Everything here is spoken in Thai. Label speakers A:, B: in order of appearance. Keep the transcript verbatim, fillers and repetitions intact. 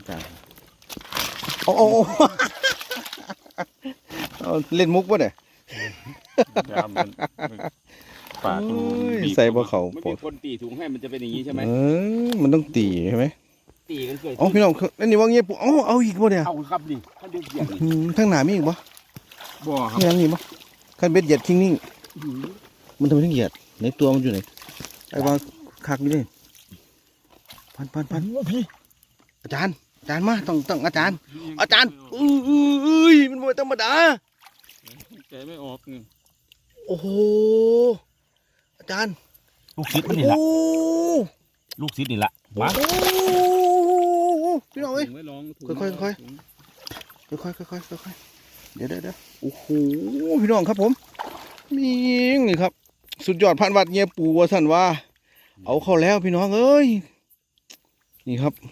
A: อาจารย์โอ้โอ้เล่นมุกวะเนี่ย
B: ปาก
A: ใส่บ่เขา
B: ไม่
A: ป
B: มี
A: วด
B: คนตีถุงให้มันจะเป็นอย่างนี้ใช่ไหม
A: เออมันต้องตีใช่ไหม
B: ตีกันเกิด
A: อ๋อพี่น้องนั่นนี่ว่าเงี้ยปุ๊เอาเอาอีกบ่เนี่ย
B: เอาครับดิถ้าเดือดเดือด
A: อืมทั้งหนามีอีกบ่
B: บ่ครับ
A: มียังนี่บ่คันเบ็ดเหยียดคิงนิ่งมันทำไมถึงเหยียดในตัวมันอยู่ไหนไอ้ว่าคักนี่เลยพันพันพันพี่อาจารย์อาจารย์มาต้องต้องอาจารย์ อาจารย์อื้ออื้ออื้อมันไม่ธรรมดา
B: ใจไม่ออก
A: โอ้โหอาจารย์
B: ลูกศิษย์มันนี่
A: โอ้
B: ละลูกศิษย์นี่ละวะ
A: โอ้พี่น้องเอ้ย ค่อยๆค่อย ค่อยค่อยค่อยค่อยค่อยเดี๋ยวเดี๋ยวเดี๋ยวโอ้โหพี่น้องครับผมมีนี่ครับ สุดยอดพันวัดเงียปูว่าสั่นว่า เอาเข้าแล้วพี่น้องเอ้ยนี่ครับ